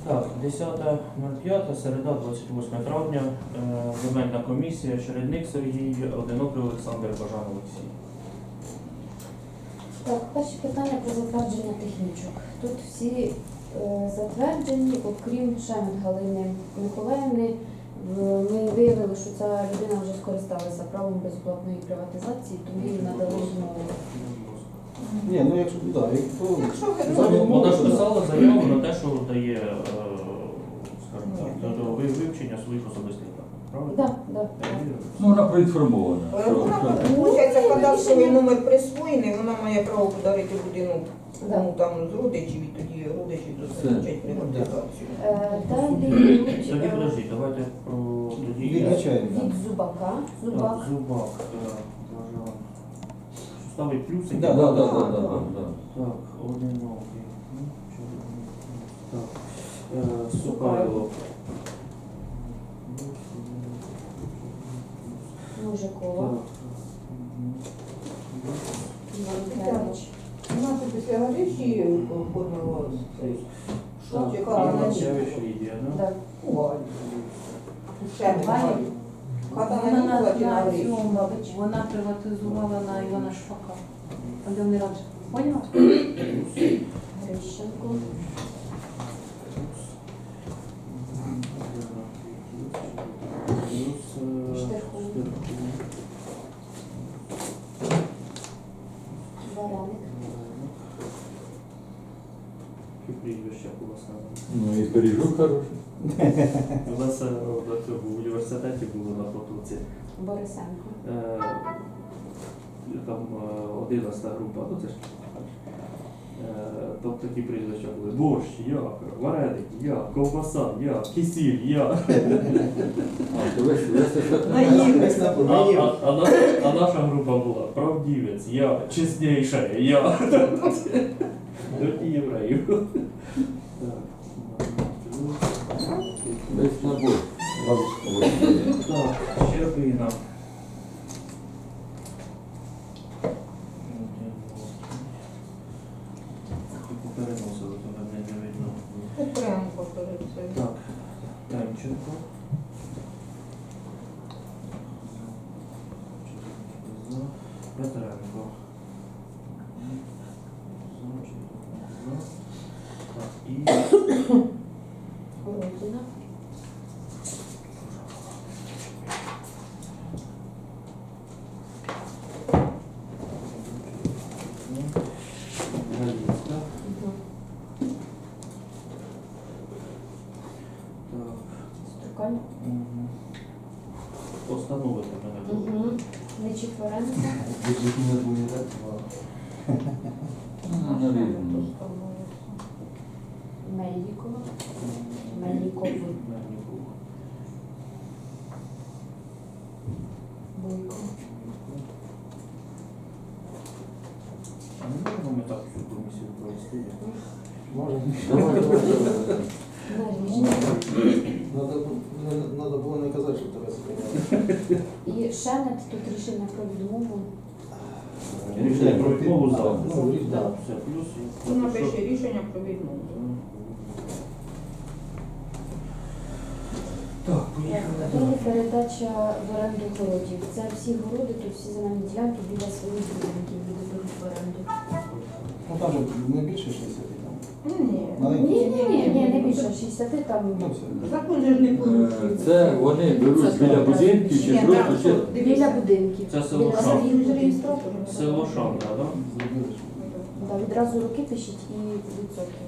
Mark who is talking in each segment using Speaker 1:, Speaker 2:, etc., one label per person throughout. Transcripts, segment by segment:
Speaker 1: Так, 10.05, середа, 28 травня, земельна комісія, Чередник Сергій, Одинокий Олександр, Бажан Олексій.
Speaker 2: Так, перше питання про затвердження технічок. Тут всі затверджені, окрім Шемет Галини Миколаївни. Ми виявили, що ця людина вже скористалася правом безоплатної приватизації, тому їй надали знову.
Speaker 3: Ні, ну якщо
Speaker 1: Вона ж писала заяву на те, що дає, скажімо так, до вивчення своїх особистих даних. Правильно?
Speaker 2: Так, так.
Speaker 4: Ну, вона проінформована.
Speaker 5: Вона, виходить, кадастровий номер присвоєний, вона має право подарити будинок кому там з родичів, і тоді родичі дозволяють приватизацію.
Speaker 2: Далі
Speaker 1: Тоді подожди, давайте про тоді.
Speaker 3: відзначаємо.
Speaker 2: від Зубака. Зубак.
Speaker 1: Так, Зубак, Бажан. Ставить плюсик.
Speaker 4: Так,
Speaker 3: Да.
Speaker 1: Так, одинокий. Так, Сукайло.
Speaker 2: Мужикова. Іванкевич.
Speaker 5: Вона тут після Галичі оформила цей.
Speaker 1: Так,
Speaker 5: Чекала на ніч.
Speaker 1: Іванкевич Лідія, да?
Speaker 2: Так.
Speaker 5: Ще не
Speaker 6: Валя.
Speaker 5: Хата
Speaker 6: Вона
Speaker 5: на
Speaker 6: на
Speaker 5: Нікола
Speaker 6: цьому, вона приватизувала на Івана Шпака. Там, де вони раніше. Поняла?
Speaker 2: Грищенко. Вареник.
Speaker 1: Прізвище у вас на.
Speaker 4: Ну і пиріжок хороший.
Speaker 1: У нас в університеті було на потоці.
Speaker 2: Борисенко.
Speaker 1: Там 11 група, ну це ж там такі прізвища були. Борщ, я, вареник, я, ковбаса, я, кисіль, я.
Speaker 4: А, то весь
Speaker 1: А наша група була правдівець, я, чесніша, я. До євреїв.
Speaker 4: весь набор.
Speaker 1: Так, Щербина. Переносили, то мене не видно.
Speaker 5: Петренко перед цим.
Speaker 1: Так, Темченко. Петренко. Так, і
Speaker 2: Городіна.
Speaker 1: Галицька.
Speaker 2: Угу.
Speaker 1: Так.
Speaker 2: Струкань.
Speaker 1: Постановити мене.
Speaker 2: Угу. Нечіпоренко.
Speaker 4: Ну, навірно.
Speaker 2: Мельникова. Мельников. Бойко.
Speaker 1: А не можемо ми так всю комісію провести?
Speaker 3: Може.
Speaker 2: Наріжний.
Speaker 3: Надо було не казати, що тебе зупиняли.
Speaker 2: І Шемет, тут рішення про відмову.
Speaker 1: Рішення про відмову за.
Speaker 3: Ну, рішення.
Speaker 1: Так, все, плюс.
Speaker 5: Вона пише рішення про відмову.
Speaker 1: Так, поїхали.
Speaker 2: Далі передача в оренду городів. Це всі городи, тут всі земельні ділянки біля своїх будинків віддають в оренду.
Speaker 3: Ну там же не більше 60 там.
Speaker 5: Ні.
Speaker 2: Ні, не більше 60, там
Speaker 3: Ну все.
Speaker 5: Закон же ж не порушує.
Speaker 4: Це вони беруть біля будинків чи
Speaker 5: Ні,
Speaker 4: просто
Speaker 5: так,
Speaker 4: чи...
Speaker 2: біля будинків.
Speaker 1: Це село
Speaker 2: Біля
Speaker 1: Шам.
Speaker 2: своїх будинків.
Speaker 1: Село Шандра, так?
Speaker 3: Зробили.
Speaker 2: Да, відразу руки пишіть і відсотки.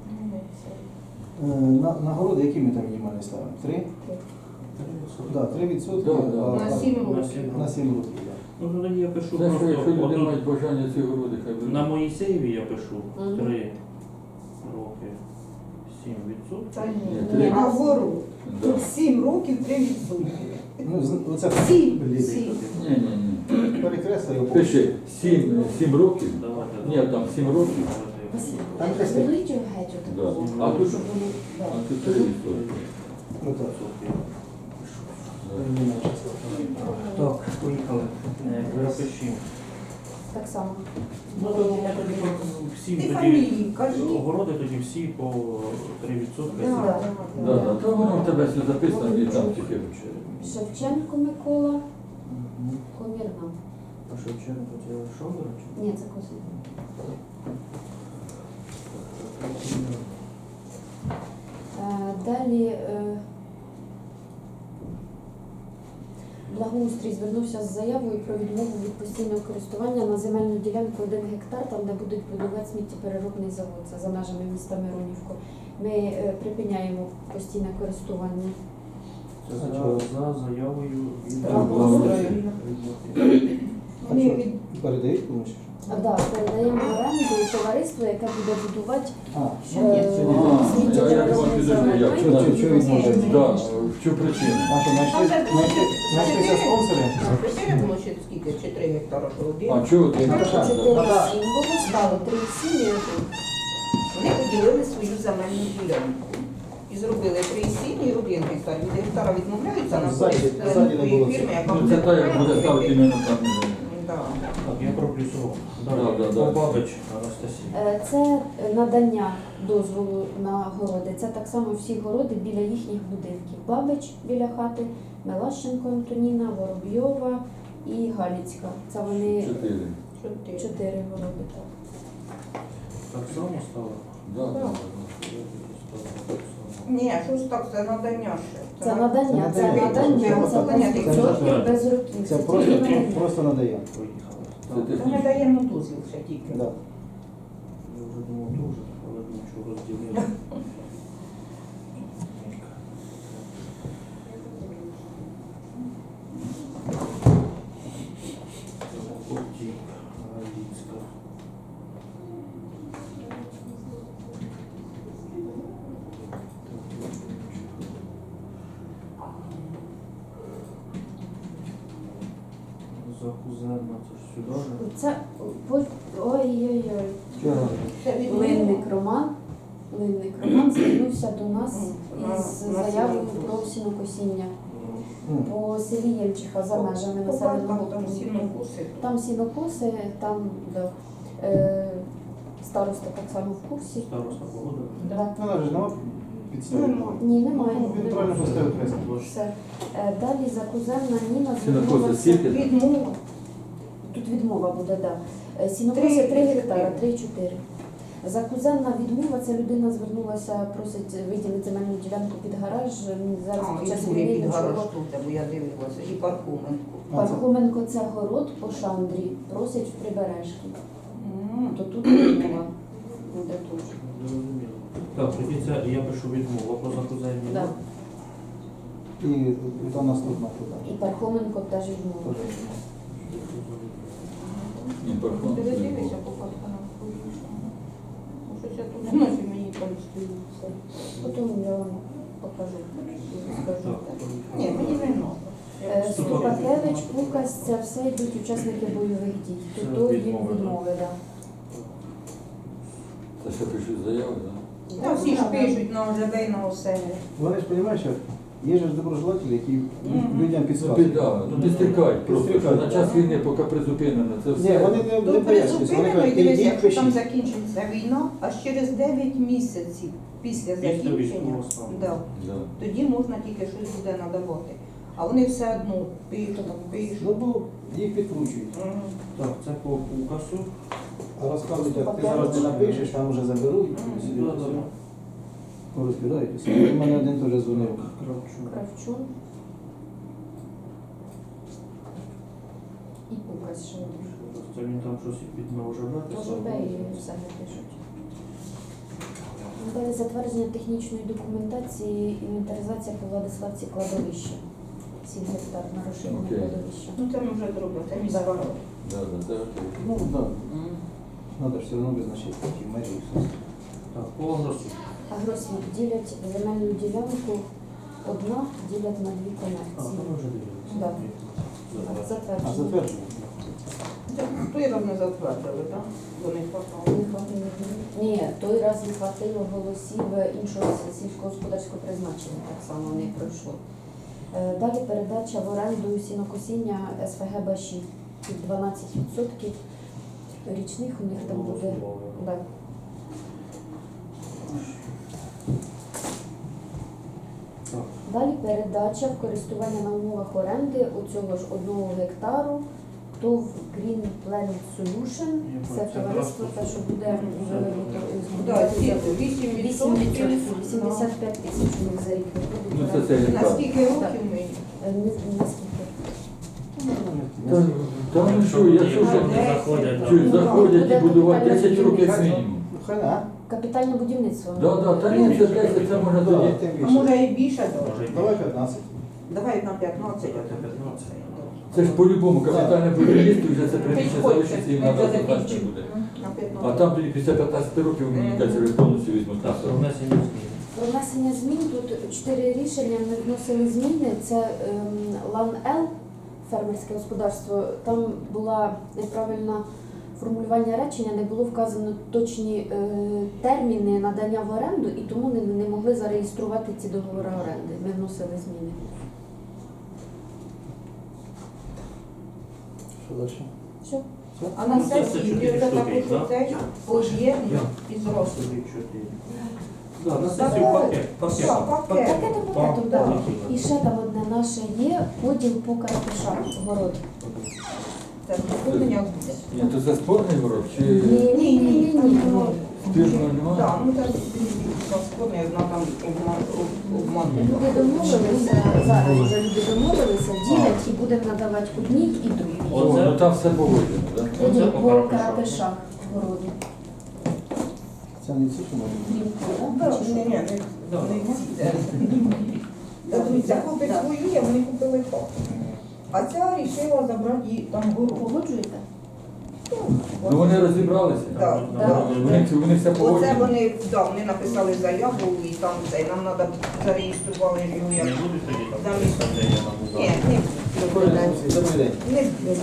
Speaker 3: На городи, які ми там мінімальні ставимо? 3? Так, 3%.
Speaker 4: Да.
Speaker 5: На 7
Speaker 1: На
Speaker 5: років.
Speaker 1: 7
Speaker 3: На 7 років, так.
Speaker 1: Ну, тоді я пишу
Speaker 4: Це що, якщо
Speaker 1: просто,
Speaker 4: люди
Speaker 1: отут,
Speaker 4: мають бажання ці городи, хай беруть.
Speaker 1: на Моїсеєві я пишу
Speaker 2: Мгм.
Speaker 1: 3 роки, 7%.
Speaker 5: Та ні.
Speaker 4: Ні, три.
Speaker 5: Наоборот.
Speaker 4: Да.
Speaker 5: Тут 7 років 3%.
Speaker 3: Ну, оце
Speaker 5: Сім.
Speaker 3: Блін.
Speaker 5: Сім.
Speaker 4: Ні.
Speaker 3: Перекреслив його.
Speaker 4: Пиши 7 років.
Speaker 1: Давайте.
Speaker 4: Ні, там 7 років.
Speaker 3: Там десь так.
Speaker 2: Зробіть його геть
Speaker 4: Да.
Speaker 2: отакого.
Speaker 4: А тут-
Speaker 2: Щоб воно- да.
Speaker 4: А тут 3%.
Speaker 3: Ну так.
Speaker 1: Так, поїхали. Запишімо.
Speaker 2: Так само.
Speaker 1: Ну, то я тоді всі
Speaker 5: Ти
Speaker 1: тоді
Speaker 5: фамілії кажи.
Speaker 1: огороди тоді всі по 3%.
Speaker 2: Да.
Speaker 4: Да, да. То воно в тебе все записано і там тільки.
Speaker 2: Шевченко Микола,
Speaker 1: Мгм.
Speaker 2: Комірна.
Speaker 1: А Шевченко це Шовгород? чи?
Speaker 2: Ні, це Козин. Далі Благоустрій звернувся з заявою про відмову від постійного користування на земельну ділянку 1 гектар, там де будуть будувати сміттєпереробний завод, це за межами міста Миронівку. Ми припиняємо постійне користування.
Speaker 1: Це за заявою від
Speaker 2: Благоустрою.
Speaker 5: Вони від
Speaker 3: Передають комусь?
Speaker 2: Да, передаємо в оренду товариство, яке буде будувати
Speaker 3: А,
Speaker 5: Що ні, це не
Speaker 4: А,
Speaker 2: сміттєпереробний
Speaker 4: я
Speaker 2: завод.
Speaker 4: як
Speaker 3: Що відмовляють?
Speaker 4: Да, в чу причину?
Speaker 3: А що, знайшлися спонсори?
Speaker 5: Чотири було ще скільки? Чи 3 гектара, що один.
Speaker 4: А чого ти?
Speaker 2: 4,7 було, стало 3,7 і 1.
Speaker 5: Вони поділили свою земельну ділянку. І зробили 3,7 і 1 гектар. Від гектара відмовляються на
Speaker 3: Ззаді-
Speaker 5: користь
Speaker 3: ззаді не
Speaker 5: такої
Speaker 3: було
Speaker 5: фірми, яка
Speaker 4: Ну це та, як буде ставити іменно там.
Speaker 5: Да.
Speaker 1: Так, я проплюсував.
Speaker 4: Да,
Speaker 1: Далі,
Speaker 4: да.
Speaker 1: Бабич Анастасія.
Speaker 2: Це надання дозволу на городи. Це так само всі городи біля їхніх будинків. Бабич біля хати, Мелащенко Антоніна, Воробйова і Галіцька. Це вони
Speaker 4: 4.
Speaker 2: 4 городи. Так.
Speaker 1: Так само стало?
Speaker 4: Да, да, да.
Speaker 5: Ні, що ж так, це надання ще.
Speaker 2: Це надання, це
Speaker 3: надання.
Speaker 2: надання, це
Speaker 5: Надання.
Speaker 2: 10% без років.
Speaker 3: Це
Speaker 2: тільки надання.
Speaker 3: просто надає.
Speaker 1: Поїхали.
Speaker 4: Це
Speaker 1: Так,
Speaker 4: ти-
Speaker 5: Це ми даємо дозвіл ще тільки.
Speaker 3: Да.
Speaker 1: я вже думав дуже, але думаю, що розділили. Потік, Галіцька. Закузенна, це ж сюди ж.
Speaker 2: Це ой-ой-ой.
Speaker 3: Чого?
Speaker 5: Це від
Speaker 2: Линник Роман. Линник Роман звернувся до нас із
Speaker 5: На
Speaker 2: заявою
Speaker 5: сінокос.
Speaker 2: про сінокосіння
Speaker 3: М.
Speaker 2: по селі Єльчиха за межами населеного
Speaker 5: Там
Speaker 2: пункту.
Speaker 5: сінокоси.
Speaker 2: Там сінокоси, там да, староста так само в курсі.
Speaker 1: Староста погода.
Speaker 2: Да.
Speaker 3: Вона ж нема підстави.
Speaker 5: Нема.
Speaker 2: Ні, немає.
Speaker 3: Ну, він правильно поставив кресло.
Speaker 2: Все. Далі закузенна Ніна
Speaker 4: Сінокоси
Speaker 2: звернулася.
Speaker 4: скільки?
Speaker 5: Відмова.
Speaker 2: Тут відмова буде, так. Да. Сінокоси 3 гектара, 3,4. Закузенна відмова, це людина звернулася, просить виділити земельну ділянку під гараж. Зараз
Speaker 5: А,
Speaker 2: під
Speaker 5: і
Speaker 2: час
Speaker 5: другий
Speaker 2: війни
Speaker 5: під
Speaker 2: нічого.
Speaker 5: гараж тут, бо я дивилася. І Пархоменко.
Speaker 2: Пархоменко це город по Шандрі, просить в Прибережки. То тут відмова буде тут.
Speaker 1: Зрозуміло. Так, тоді це я пишу відмову про закузенні.
Speaker 2: Да.
Speaker 3: І то наступна туди.
Speaker 2: І Пархоменко теж відмова.
Speaker 3: Теж.
Speaker 4: Ні, парфум.
Speaker 5: Ти дивишся по Пархоменку? Щось я тут ночі мені там стоїться.
Speaker 2: Потім я вам покажу. Скажу.
Speaker 1: Так,
Speaker 5: Ні, мені не треба.
Speaker 2: Ступакевич, Пукас, це все йдуть учасники бойових дій.
Speaker 1: Це
Speaker 2: Тут їм
Speaker 1: відмови, да?
Speaker 2: відмови, так.
Speaker 4: Це ще пишуть заяву, так?
Speaker 5: Та всі ж пишуть на ОЖБ і на оселі.
Speaker 3: Вони ж розумієш, що є ж доброжелателі, які
Speaker 5: Мгм.
Speaker 3: людям
Speaker 4: Ну,
Speaker 3: підказують.
Speaker 4: біда, ну підстрікають просто, що
Speaker 3: Підстрікають,
Speaker 4: на час війни, поки призупинено, це
Speaker 3: Ні,
Speaker 4: все.
Speaker 3: вони не
Speaker 5: Тут
Speaker 3: пояснюють, вони
Speaker 5: призупинено і
Speaker 3: кажуть,
Speaker 5: дивися,
Speaker 3: ідіть,
Speaker 5: якщо там
Speaker 3: пишіть.
Speaker 5: закінчиться війна, аж через 9 місяців після закінчення,
Speaker 1: військового стану.
Speaker 5: да,
Speaker 4: Да.
Speaker 5: тоді можна тільки щось буде надавати. А вони все одно пишуть,
Speaker 3: Ну,
Speaker 5: пишуть.
Speaker 3: бо їх підкручують.
Speaker 5: Мгм.
Speaker 1: Так, це по укасу.
Speaker 3: А розказують, як ти зараз не напишеш, там вже заберуть.
Speaker 5: Мгм.
Speaker 3: Сюди,
Speaker 1: Да,
Speaker 3: сюди.
Speaker 1: да.
Speaker 3: Розбирайтеся. У мене один теж дзвонив.
Speaker 1: Кравчук.
Speaker 2: Кравчун. І Пукас ще один.
Speaker 1: Це він там щось під ОЖБ
Speaker 2: Може, і все не пишуть. Далі затвердження технічної документації, інвентаризація по Владиславці кладовища. 7 гектар на розширення
Speaker 4: Окей.
Speaker 2: кладовища.
Speaker 5: Ну це ми вже зробили, це міська рада.
Speaker 4: Да, да, це окей.
Speaker 3: Ну, так. Да. Надо ж все одно визначити ті межі і все.
Speaker 1: Так, по Агросу.
Speaker 2: Агросвіт ділять земельну ділянку, одна ділять на 2
Speaker 1: А,
Speaker 2: комерції.
Speaker 1: ми вже дивилися.
Speaker 2: Да.
Speaker 3: А
Speaker 2: Затвердження.
Speaker 3: затверджено?
Speaker 5: Це той раз не затвердили, так? До них попало.
Speaker 2: Не хватило. Ні, той раз не хватило голосів іншого сільськогосподарського призначення, так само не пройшло. Далі передача в оренду сінокосіння СФГ Баші під 12%. річних у них там буде. Да.
Speaker 1: Так.
Speaker 2: Далі передача в користування на умовах оренди у цього ж 1 гектару. ТОВ Green Planet Solution. Це товариство, те, що буде
Speaker 5: Так,
Speaker 2: збудувати
Speaker 5: 8%.
Speaker 2: 85 тисяч у них за рік
Speaker 4: Ну,
Speaker 2: виходить.
Speaker 4: це
Speaker 5: На
Speaker 4: гектар.
Speaker 5: скільки років ми?
Speaker 2: Наскільки?
Speaker 4: Та ну що, якщо вже
Speaker 1: Вони заходять,
Speaker 4: чуть
Speaker 1: да.
Speaker 4: заходять і будувати 10 років як мінімум.
Speaker 3: Хай, а?
Speaker 2: Капітальне будівництво.
Speaker 4: Та ні, це 10, це можна
Speaker 3: Да,
Speaker 4: тоді.
Speaker 3: тим
Speaker 5: А
Speaker 3: більше.
Speaker 5: може і більше?
Speaker 1: Може, і
Speaker 3: Давай
Speaker 1: більше.
Speaker 3: 15.
Speaker 5: Давай на 15.
Speaker 1: Давайте 15.
Speaker 4: Це ж по-любому капітальне будівництво, вже це приміщення
Speaker 5: Підходьте,
Speaker 4: залишиться і
Speaker 5: ми
Speaker 4: надо
Speaker 5: вже
Speaker 4: закінчити
Speaker 5: закінчимо.
Speaker 4: буде.
Speaker 5: На
Speaker 4: А
Speaker 5: 15.
Speaker 4: там тоді після 15 років, мені кажеться, ви повністю візьмуть на
Speaker 1: Так, про
Speaker 4: себе.
Speaker 1: внесення змін.
Speaker 2: Про внесення змін тут 4 рішення. Ми вносили зміни. Це ЛАН-Л, фермерське господарство. Там була неправильна формулювання речення, не було вказано точні терміни надання в оренду, і тому не могли зареєструвати ці договори оренди. Ми вносили зміни.
Speaker 3: Що далі?
Speaker 2: Все.
Speaker 5: А на
Speaker 1: Це
Speaker 5: сесії
Speaker 1: 4
Speaker 5: вже
Speaker 1: штуки,
Speaker 5: таку
Speaker 1: да?
Speaker 5: цей поєднання і зросту.
Speaker 1: Собі 4. Да, на сесію пакет.
Speaker 5: Так, пакет.
Speaker 2: Пакетом, пакетом,
Speaker 5: да.
Speaker 2: так. І ще там одне наше є поділ по карпишах город.
Speaker 5: Це доповнення буде.
Speaker 4: Ні, то це спорний ворог чи
Speaker 2: Ні.
Speaker 4: спірного немає?
Speaker 5: Так, ну це складно, одна там обман.
Speaker 2: Люди домовилися, зараз вже люди домовилися, ділять і будемо надавати одній і другій.
Speaker 4: О, ну там все погоджено, так?
Speaker 2: Поділ
Speaker 1: Оце
Speaker 2: по
Speaker 1: по карпишах.
Speaker 2: карпишах городу.
Speaker 3: Це не ці, що може?
Speaker 5: Ні, не ці. Та дивіться, купить свою, вони купили хату. А ця рішила забрати їй там гору.
Speaker 2: Погоджуєте?
Speaker 4: Ну вони розібралися.
Speaker 5: Так,
Speaker 2: Да.
Speaker 4: Вони все
Speaker 5: Оце
Speaker 4: погоджено.
Speaker 5: вони написали заяву і там це, нам треба зареєстрували його
Speaker 1: Не
Speaker 5: як.
Speaker 1: будуть тоді там
Speaker 5: Замість.
Speaker 1: де я нам
Speaker 5: Ні, не
Speaker 3: Добрий день.
Speaker 5: Не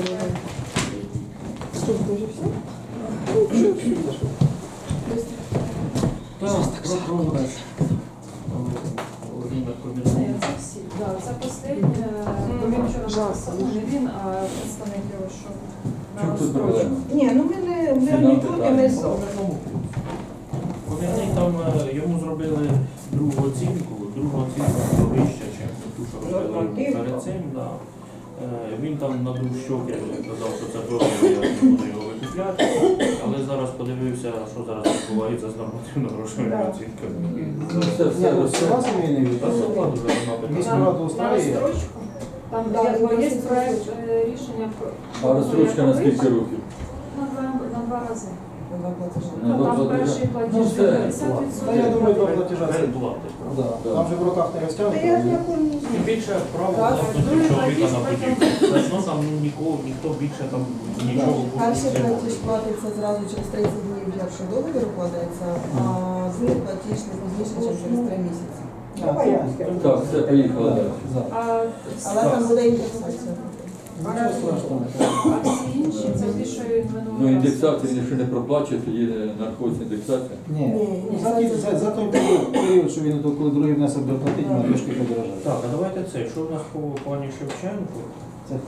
Speaker 1: Так, про програш. Володимир Комірний.
Speaker 6: Це всі. Да, це останнє. Бо він вчора написав, не він, а представник його, що на
Speaker 4: Чому тут
Speaker 6: розстрочку.
Speaker 4: проблема?
Speaker 5: Ні, ну ми не проти, ми за.
Speaker 1: Комірний там йому зробили другу оцінку вища, ніж ту, що робили
Speaker 5: Нормативно.
Speaker 1: перед цим. Да. Він там надув щоки, казав, що це добре, я не буду його викупляти. Але зараз подивився, що зараз відбувається з нормативно-грошовими
Speaker 5: Да.
Speaker 1: оцінками.
Speaker 4: Ну все,
Speaker 3: Ні,
Speaker 4: все,
Speaker 3: ну,
Speaker 4: все.
Speaker 3: села сімейний
Speaker 1: Та
Speaker 3: від.
Speaker 1: закладу вже нема питань.
Speaker 3: Міську
Speaker 6: На-
Speaker 3: раду
Speaker 6: На
Speaker 3: устраює.
Speaker 6: розстрочку. Там
Speaker 5: Да,
Speaker 6: є
Speaker 5: на
Speaker 6: проект рішення про
Speaker 4: А розстрочка на скільки років?
Speaker 6: на два рази.
Speaker 4: На
Speaker 6: Ну,
Speaker 4: два
Speaker 6: там
Speaker 4: платежа?
Speaker 6: перший
Speaker 4: Ну,
Speaker 6: платіж
Speaker 4: все.
Speaker 6: 50%.
Speaker 3: Та я думаю, до платежа це.
Speaker 1: Передплати.
Speaker 3: Да. Там же в руках не
Speaker 5: Та я ж
Speaker 3: розтягнути.
Speaker 5: якось
Speaker 1: Тим більше право
Speaker 6: Так,
Speaker 1: власності
Speaker 6: другий
Speaker 1: чоловіка
Speaker 6: платіж
Speaker 1: на будівлю. Тобто, там ніхто більше там нічого
Speaker 7: Перший
Speaker 1: не
Speaker 7: платіж
Speaker 1: може.
Speaker 7: платиться зразу через 30 днів, якщо договір укладається, а другий платіж не пізніше, ніж через 3 місяці.
Speaker 5: давай я скажу.
Speaker 4: Так, все, поїхали далі.
Speaker 3: За.
Speaker 7: Але там буде індексація.
Speaker 3: Нічого страшного.
Speaker 6: А всі інші, це ті, що він
Speaker 4: Ну,
Speaker 6: минулого разу.
Speaker 4: індексація, якщо не проплачує, тоді нарахується індексація.
Speaker 3: Ні,
Speaker 7: Ні,
Speaker 3: за той період, що він коли другий внесок доплатить, вона трошки подорожає.
Speaker 1: Так, а давайте це. Що в нас по пані Шевченку?
Speaker 3: Це хто?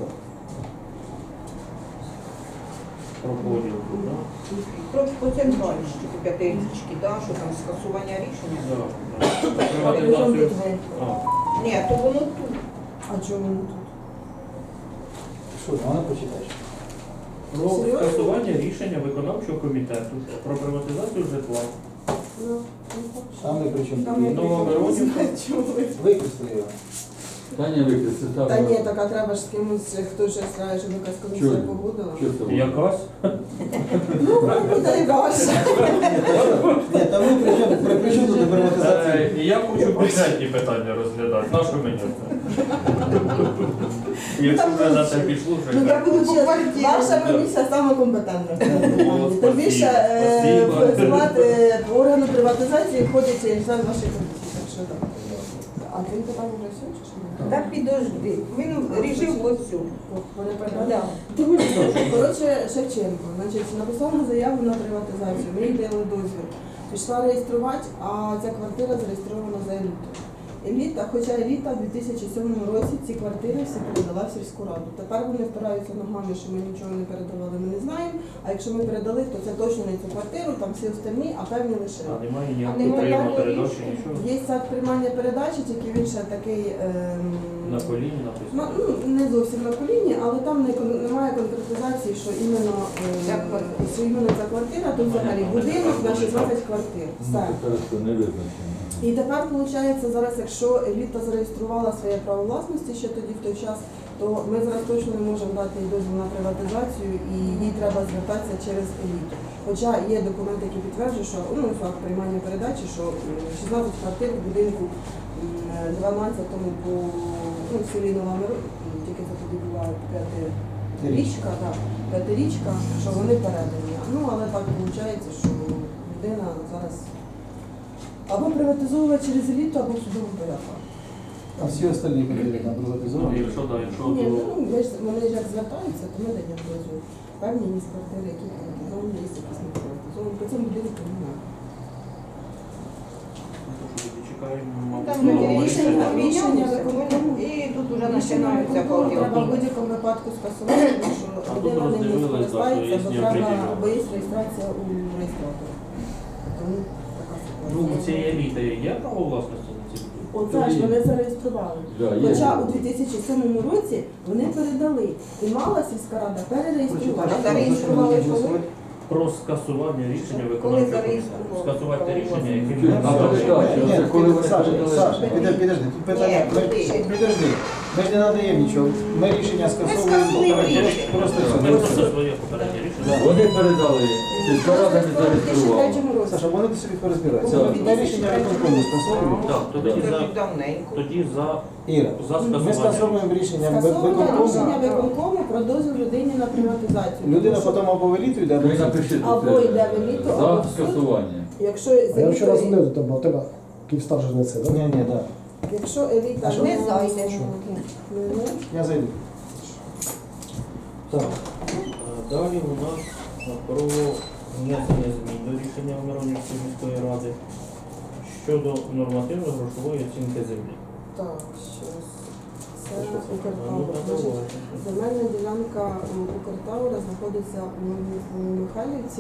Speaker 1: Про поділ, да?
Speaker 5: По центральній, що по п'ятирічки, да, що там скасування рішення.
Speaker 1: Да, да. Приватизацію. А,
Speaker 5: Ні, то воно тут.
Speaker 7: А чому тут?
Speaker 3: Що, вона почитаєш?
Speaker 1: Про
Speaker 7: Серйозно?
Speaker 1: скасування рішення виконавчого комітету про приватизацію житла.
Speaker 3: Там не при чому.
Speaker 5: Там не
Speaker 1: Нова Миронівка.
Speaker 3: Викресли його.
Speaker 4: Та ні, викреси там.
Speaker 7: Та ні, так а треба ж з кимось, хто щось знає, щоб якась комісія
Speaker 4: Чого?
Speaker 7: погодила.
Speaker 4: Що це?
Speaker 1: Якась?
Speaker 7: Ну, буде і ваша.
Speaker 3: Ні, та ви при чому тут приватизація?
Speaker 1: Я хочу бюджетні питання розглядати. На що мені це? Якщо вже на це пішло, вже
Speaker 7: Ну, я
Speaker 1: так.
Speaker 7: буду чесно, ваша комісія саме компетентна. Тим більше
Speaker 1: Спасибо.
Speaker 7: склад органу приватизації входить член вашої комісії. Так що так. А ти питання вже все чи що?
Speaker 5: Та підожди. Він рішив оцю.
Speaker 7: Вони
Speaker 5: Да.
Speaker 7: передали. Коротше, Шевченко, значить, написав на заяву на приватизацію, ми їй дали дозвіл. Пішла реєструвати, а ця квартира зареєстрована за елітою. еліта, хоча еліта в 2007 році ці квартири всі передала в сільську раду. Тепер вони впираються ногами, що ми нічого не передавали, ми не знаємо. А якщо ми передали, то це точно не цю квартиру, там всі остальні, а певні лише.
Speaker 1: А немає
Speaker 5: А
Speaker 1: ніякого
Speaker 5: немає
Speaker 1: прийому
Speaker 5: ніякого
Speaker 1: передачі,
Speaker 5: рішення.
Speaker 1: нічого.
Speaker 7: Є сайт приймання передачі, тільки він ще такий
Speaker 1: На коліні написано.
Speaker 7: не зовсім на коліні, але там немає конкретизації, що іменно ця квартира, тут взагалі будинок на 16 квартир. Все.
Speaker 4: Хорошо, не визначено.
Speaker 7: І тепер виходить, зараз, якщо еліта зареєструвала своє право власності ще тоді в той час, то ми зараз точно не можемо дати їй дозвіл на приватизацію і їй треба звертатися через еліту. Хоча є документи, які підтверджують, що факт приймання передачі, що 16 квартир в будинку 12-му по в селі Нова Миро, тільки це тоді була п'ятирічка, що вони передані. Але так виходить, що людина зараз або приватизовувати через еліту, або в судовому порядку.
Speaker 3: А всі остальні квартири там
Speaker 1: Ну,
Speaker 3: приватизовані?
Speaker 1: якщо
Speaker 7: Ні,
Speaker 1: то...
Speaker 7: вони ж як звертаються, то ми даємо дозвіл. Певні є квартири, які приватизовані, є якісь не приватизовані. По цьому будинку немає.
Speaker 1: Чекаємо,
Speaker 5: Там
Speaker 1: мабуть,
Speaker 7: рішення
Speaker 5: помінялися,
Speaker 7: виконкому.
Speaker 5: і тут вже
Speaker 7: Рішення
Speaker 5: починаються
Speaker 7: виконкому треба в
Speaker 5: поки.
Speaker 7: будь-якому випадку скасувати, тому що
Speaker 1: А тут
Speaker 7: людина ним не
Speaker 1: роздивились,
Speaker 7: скористається,
Speaker 1: так,
Speaker 7: бо
Speaker 1: що є
Speaker 7: треба,
Speaker 1: определення.
Speaker 7: бо є реєстрація у реєстратора. Тому така
Speaker 1: Ну, у
Speaker 7: ситуація.
Speaker 1: цієї еліти є право власності на ці будинки?
Speaker 7: Оце ж вони зареєстрували.
Speaker 4: Да, є.
Speaker 7: Хоча у 2007 році вони передали і мала сільська рада перереєструвати.
Speaker 5: А зареєстрували коли?
Speaker 1: Про скасування рішення
Speaker 5: Коли
Speaker 1: виконавчого комітету.
Speaker 5: зареєстрували?
Speaker 1: Скасувати те рішення, яким
Speaker 4: Чуть, а передача,
Speaker 3: Ні,
Speaker 4: це коли вони
Speaker 3: Саша,
Speaker 4: передали.
Speaker 3: підожди, тут питання,
Speaker 5: Ні,
Speaker 3: підожди. Ми ж не надаємо нічого, ми рішення скасовуємо,
Speaker 5: скасуємо рішення.
Speaker 3: просто
Speaker 1: Ми
Speaker 3: все.
Speaker 1: просто своє попереднє рішення.
Speaker 4: Вони передали, сільська рада не
Speaker 7: У
Speaker 4: зареєструвала.
Speaker 7: 2003 році.
Speaker 3: Саша, вони собі порозбираються.
Speaker 4: Так.
Speaker 3: Ми рішення виконкому скасовуємо.
Speaker 1: Так,
Speaker 5: Це давненько.
Speaker 1: тоді за
Speaker 3: Іра,
Speaker 1: За
Speaker 3: ми
Speaker 1: скасування.
Speaker 3: скасовуємо рішення
Speaker 7: Скасоване
Speaker 3: виконкому.
Speaker 7: рішення виконкому про дозвіл людині на приватизацію.
Speaker 3: Людина
Speaker 7: Тому що
Speaker 3: потім або в еліту йде, або
Speaker 4: Ви
Speaker 3: в суд.
Speaker 4: напишіть
Speaker 7: Або йде в еліту, або
Speaker 4: за
Speaker 7: в суд.
Speaker 4: скасування.
Speaker 7: Якщо
Speaker 8: А я вчора
Speaker 7: еліта-
Speaker 8: дзвонив до тебе, а у тебе Київстар же не це, так?
Speaker 3: Ні, так.
Speaker 7: Якщо еліта
Speaker 3: А що?
Speaker 5: Не зайде.
Speaker 3: Я зайду. Так.
Speaker 1: Далі у нас про внесення змін до рішення Миронівської міської ради щодо нормативно-грошової оцінки землі.
Speaker 7: Так, щось. Це
Speaker 1: Ну,
Speaker 7: Укртаура.
Speaker 1: давай.
Speaker 7: Земельна ділянка Укртаура знаходиться у Михайлівці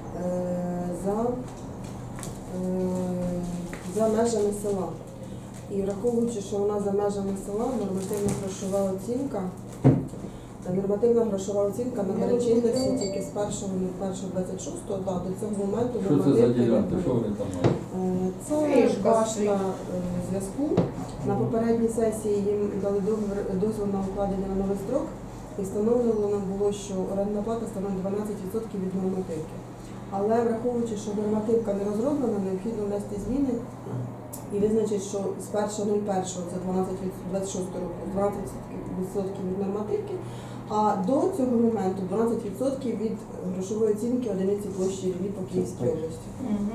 Speaker 7: за межами села. І враховуючи, що вона за межами села, нормативна грошова оцінка набере чинності тільки з 1.1.26, до цього моменту
Speaker 4: Що це за
Speaker 7: нормативки не
Speaker 4: ділянка?
Speaker 7: буде.
Speaker 4: Що вони там мають?
Speaker 7: Це
Speaker 5: Фішка
Speaker 7: башта
Speaker 5: стоїть.
Speaker 7: зв'язку. На попередній сесії їм дали дозвіл на укладення на новий строк і встановлено було, що орендна плата становить 12% від нормативки. Але враховуючи, що нормативка не розроблена, необхідно внести зміни і визначити, що з 1.01, це 12-26 року, 12% від нормативки, а до цього моменту 12% від грошової оцінки одиниці площі рілі по Київській області.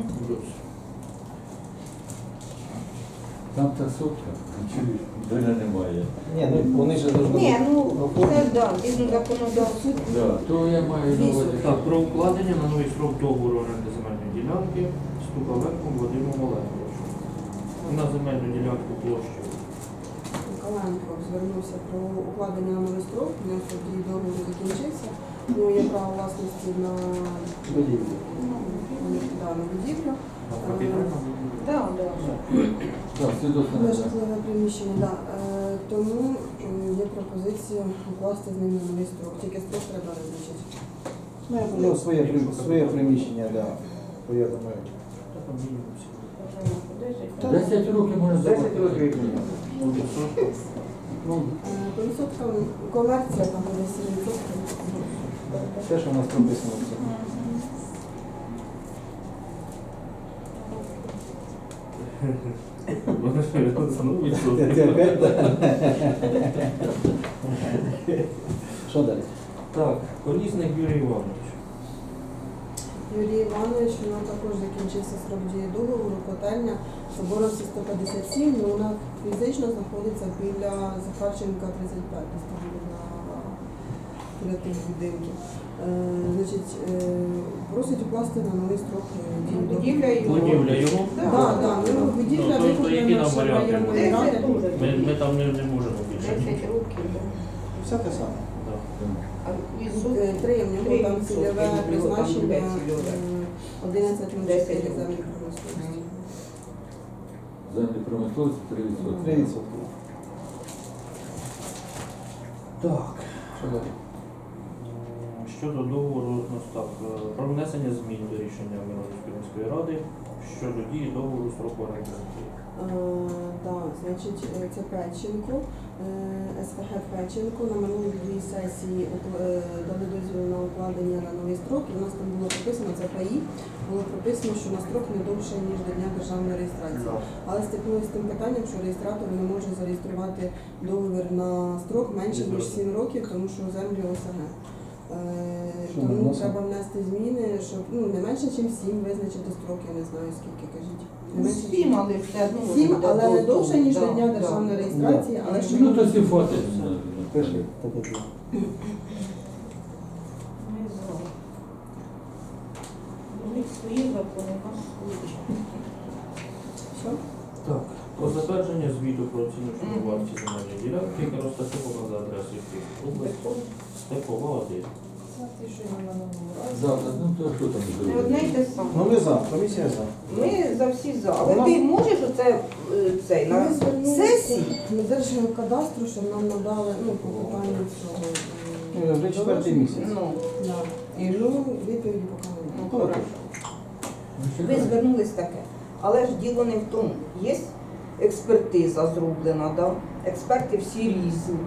Speaker 4: Там та сотка, чи доля немає.
Speaker 3: Ні, ну вони ж должны
Speaker 5: Ні, ну
Speaker 3: оформити.
Speaker 5: це да, згідно законодавства.
Speaker 4: Да, то я маю на увазі.
Speaker 1: Так, про укладення на новий срок договору оренди земельної ділянки Стуковенком Вадимом Олеговичем. На земельну ділянку площу.
Speaker 7: Миколаєнко звернувся про укладення на новий строк, у нього тоді договір закінчився, у нього є право власності на
Speaker 3: Будівлю.
Speaker 7: будівлю.
Speaker 5: Да.
Speaker 4: Так, свідоцтво
Speaker 7: На
Speaker 4: не
Speaker 7: житлове приміщення, да. Тому є пропозиція укласти з ним на новий строк, тільки строк треба визначити.
Speaker 3: Ну, своє приміщення, да. Бо я думаю.
Speaker 4: 10 років може
Speaker 3: 10
Speaker 4: забути.
Speaker 3: років.
Speaker 4: Ну,
Speaker 7: По відсоткам комерція там буде 7%.
Speaker 3: Те, що у нас прописано в цьому. Ти опять, да? Що далі?
Speaker 1: Так, Колісник Юрій Іванович.
Speaker 7: Юрій Іванович, у нього також закінчився срок дії договору, котельня Соборовці 157, але вона фізично знаходиться біля Захарченка 35, десь там біля тих будинків. Просить укласти на новий строк дії договору.
Speaker 5: Будівля його.
Speaker 1: Будівля його?
Speaker 7: Так, будівля
Speaker 1: Ну, тобто, які
Speaker 7: викуплена
Speaker 1: там
Speaker 7: Першої
Speaker 1: варіантів
Speaker 7: районної
Speaker 1: буде.
Speaker 7: ради.
Speaker 1: Ми там не можемо більше.
Speaker 5: 10 років.
Speaker 3: Все те саме.
Speaker 1: Да.
Speaker 5: А і суд
Speaker 7: 3 в нього там
Speaker 5: 3%,
Speaker 7: цільове
Speaker 5: там
Speaker 7: призначення
Speaker 5: буде цільове.
Speaker 7: 11 на
Speaker 5: 10
Speaker 7: 4
Speaker 5: років.
Speaker 7: землі промисловості.
Speaker 4: Землі промисловості 3%.
Speaker 3: 3%. Так. Що далі?
Speaker 1: Щодо договору про внесення змін до рішення Миронівської міської ради щодо дії договору строку оренди.
Speaker 7: Так, значить, це Печенко, СВГ Печенко. На минулій дві сесії дали дозвіл на укладення на новий строк, і в нас там було прописано, це ПАІ, було прописано, що на строк не довше, ніж до дня державної реєстрації. Але стикнулися з тим питанням, що реєстратор не може зареєструвати договір на строк менше, ніж 7 років, тому що землі ОСГ.
Speaker 3: Що ми
Speaker 7: Тому
Speaker 3: вносимо?
Speaker 7: треба внести зміни, щоб не менше, ніж 7 визначити строки, я не знаю скільки, кажіть. Не менше, ніж
Speaker 5: 7, але все одно.
Speaker 7: 7,
Speaker 5: буде
Speaker 7: але не
Speaker 5: до
Speaker 7: довше, ніж до
Speaker 5: того.
Speaker 7: дня
Speaker 5: Да,
Speaker 7: державної
Speaker 5: да.
Speaker 7: реєстрації, але щоб
Speaker 4: Ну, то всі фото.
Speaker 3: Пиши. Таке.
Speaker 5: Ми за. У них свої закони, у нас свої.
Speaker 7: що?
Speaker 1: Так. Про затвердження звіту про оціночну вартість земельної ділянки, яка розташована за адресою Київської області, Степова 1.
Speaker 6: Це те, що я на минулому разі.
Speaker 4: Завтра, ну то що там
Speaker 5: Не одне й
Speaker 4: зробити?
Speaker 5: те саме.
Speaker 3: Ну ми за, комісія за.
Speaker 5: Ми за всі за. Але
Speaker 3: У нас-
Speaker 5: ти можеш оце цей на
Speaker 7: Ми звернулися
Speaker 5: сесії?
Speaker 7: до Держгеокадастру, щоб нам надали по питанню цього.
Speaker 3: Вже 4-й місяць.
Speaker 5: Ну,
Speaker 7: Да.
Speaker 5: і
Speaker 7: Ну, відповіді поки
Speaker 5: ну,
Speaker 7: немає.
Speaker 5: хорошо. Ви звернулись таке. Але ж діло не в тому. Є експертиза зроблена, да? Експерти всі різні.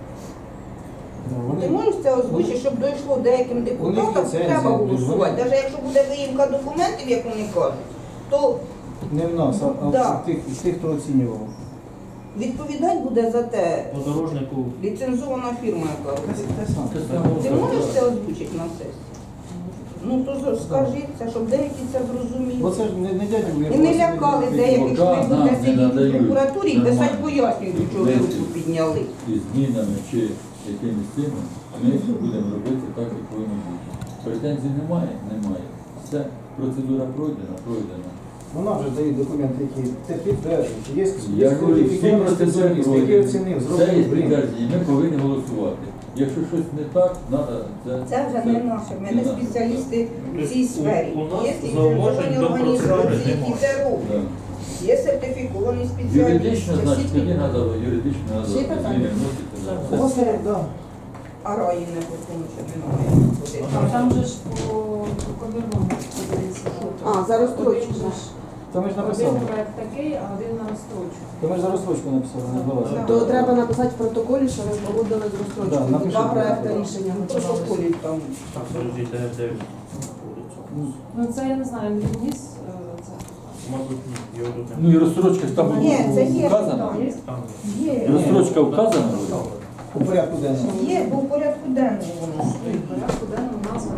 Speaker 5: Ти можеш це озвучити, щоб дійшло деяким депутатам,
Speaker 3: ліцензія,
Speaker 5: треба
Speaker 3: вони-
Speaker 5: голосувати. Навіть якщо буде виїмка документів, як вони кажуть, то
Speaker 3: Не в нас, а
Speaker 5: Да.
Speaker 3: в тих, хто оцінював.
Speaker 5: відповідати буде за те
Speaker 1: Подорожнику
Speaker 5: ліцензована фірма, яка
Speaker 3: Те
Speaker 5: робить.
Speaker 3: саме.
Speaker 4: Те саме.
Speaker 5: Ти можеш це озвучити на сесії? Ну то скажи це, щоб деякі це зрозуміли.
Speaker 3: Бо це ж не дядя.
Speaker 5: І не лякали деяких, що ви
Speaker 4: Пока
Speaker 5: будете
Speaker 4: нам не
Speaker 5: сидіти в
Speaker 4: надають
Speaker 5: прокуратурі і писати
Speaker 4: нормально.
Speaker 5: пояснюють, що ви руку підняли.
Speaker 4: І змінами чи якимись цими, ми будемо робити так, як повинно бути. Претензій немає? Немає. Все, процедура пройдена.
Speaker 3: Вона вже дає документи, які це підтверджують. Є
Speaker 4: Я говорю, всі
Speaker 3: кваліфікований
Speaker 4: процедури
Speaker 3: спеціаліст, який
Speaker 4: пройдені.
Speaker 3: оцінив,
Speaker 4: Це є
Speaker 3: зробив блін.
Speaker 4: підтвердження, ми повинні голосувати. Якщо щось не так, треба
Speaker 5: Це вже не наше. Ми не спеціалісти в цій сфері.
Speaker 1: У нас
Speaker 5: Є
Speaker 1: зауважень
Speaker 5: ліцензовані
Speaker 1: до процедури
Speaker 5: організації, які
Speaker 1: немає.
Speaker 5: це роблять. Є сертифіковані спеціалісти.
Speaker 4: Юридично, значить,
Speaker 5: всі
Speaker 4: тоді
Speaker 5: ті-
Speaker 4: треба юридично
Speaker 7: Ще
Speaker 4: треба
Speaker 7: питання?
Speaker 4: зміни вносити.
Speaker 3: У вас є, да.
Speaker 5: А раї не потім, що не має.
Speaker 6: Там же ж по комірному подивіться.
Speaker 7: А, за розстрочку.
Speaker 3: Та ми ж
Speaker 6: Один
Speaker 3: написали.
Speaker 6: проект такий, а один на розстрочку.
Speaker 3: Та ми ж за розстрочку написали, не збалася.
Speaker 7: То треба написати в протоколі, що ви погодили з
Speaker 3: Да,
Speaker 7: розстрочкою.
Speaker 3: напишіть.
Speaker 7: Два проекти рішення
Speaker 5: В
Speaker 7: готувалися.
Speaker 5: протоколі там.
Speaker 1: так, подожди, де він знаходиться?
Speaker 6: Ну це я не знаю, він вніс це.
Speaker 1: Мабуть, ні, його тут
Speaker 4: Ну і розстрочка ж там
Speaker 5: Ні, це є.
Speaker 4: вказана.
Speaker 5: там.
Speaker 1: Там
Speaker 5: Є.
Speaker 4: Розстрочка вказана?
Speaker 3: У порядку денному.
Speaker 5: Є, бо в порядку денному воно стоїть.
Speaker 6: Порядку денному назва.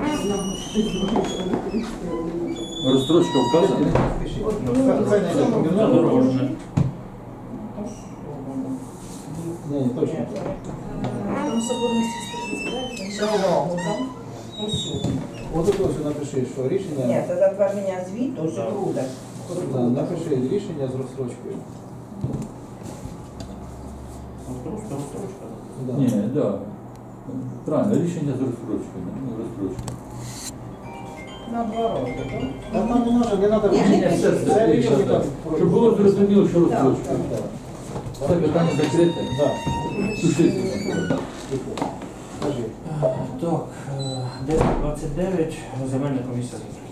Speaker 4: Розстрочка вказана?
Speaker 3: Хай знайде помірно.
Speaker 1: задорожне.
Speaker 3: Ні, точно.
Speaker 6: Там соборності 139.
Speaker 5: Ще увагу там. Усю.
Speaker 3: От тут ось напиши, що
Speaker 5: Ні,
Speaker 3: рішення.
Speaker 5: це затвердження звіту, що буде.
Speaker 3: Да, напиши рішення з розстрочкою.
Speaker 1: Розстрочка.
Speaker 3: Да.
Speaker 4: Ні, так. Да. Правильно, рішення з розстрочкою. Ну, розстрочка.
Speaker 5: На 2 роки, так?
Speaker 3: Та там не треба, не треба
Speaker 5: Ні,
Speaker 3: рішення.
Speaker 5: ні,
Speaker 3: Це рішення так.
Speaker 4: Щоб було зрозуміло, що розстрочка.
Speaker 3: Так, так.
Speaker 4: Це питання закрите.
Speaker 3: Да.
Speaker 4: Сушиться.
Speaker 3: Кажи.
Speaker 1: Так, 9.29, земельна комісія закрита.